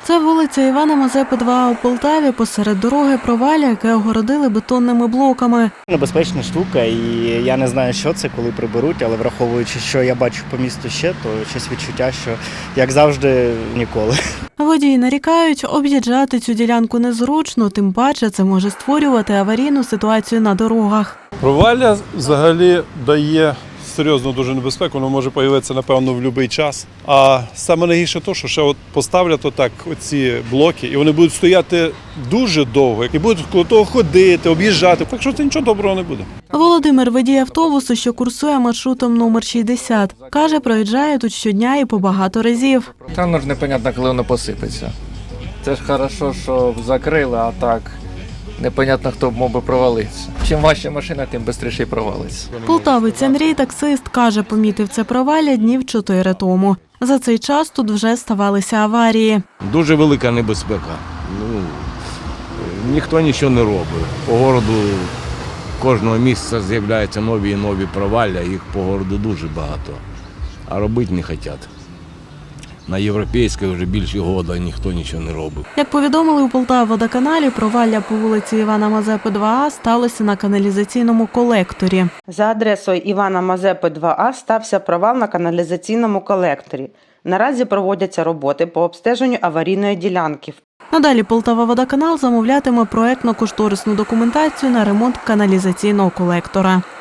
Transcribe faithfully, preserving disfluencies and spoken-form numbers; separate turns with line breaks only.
Це вулиця Івана Мазепи, два А у Полтаві, посеред дороги провалля, яке огородили бетонними блоками.
Небезпечна штука, і я не знаю, що це, коли приберуть, але враховуючи, що я бачу по місту ще, то щось відчуття, що, як завжди, ніколи.
Водії нарікають, об'їжджати цю ділянку незручно, тим паче це може створювати аварійну ситуацію на дорогах.
Провалля взагалі дає серйозну дуже небезпеку, воно може з'явитися, напевно, в будь-який час. А саме найгірше те, що ще от поставлять отак оці блоки, і вони будуть стояти дуже довго, і будуть коло того ходити, об'їжджати, так що це нічого доброго не буде.
Володимир, водій автобусу, що курсує маршрутом номер шістдесят. Каже, проїжджає тут щодня і по багато разів.
Там ну ж непонятно, коли воно посипеться. Це ж хорошо, що закрили, а так непонятно, хто б мог би провалитися. Чим важча машина, тим швидше провалиться.
Полтавець Андрій, таксист, каже, помітив це провалля днів чотири тому. За цей час тут вже ставалися аварії.
Дуже велика небезпека. Ну, ніхто нічого не робить. По городу кожного місяця з'являються нові і нові провалля, їх по городу дуже багато. А робити не хочуть. На європейській вже більше года ніхто нічого не робить.
Як повідомили у Полтававодоканалі, провалля по вулиці Івана Мазепи, два А сталося на каналізаційному колекторі.
За адресою Івана Мазепи, два А стався провал на каналізаційному колекторі. Наразі проводяться роботи по обстеженню аварійної ділянки.
Надалі Полтававодоканал замовлятиме проектно-кошторисну документацію на ремонт каналізаційного колектора.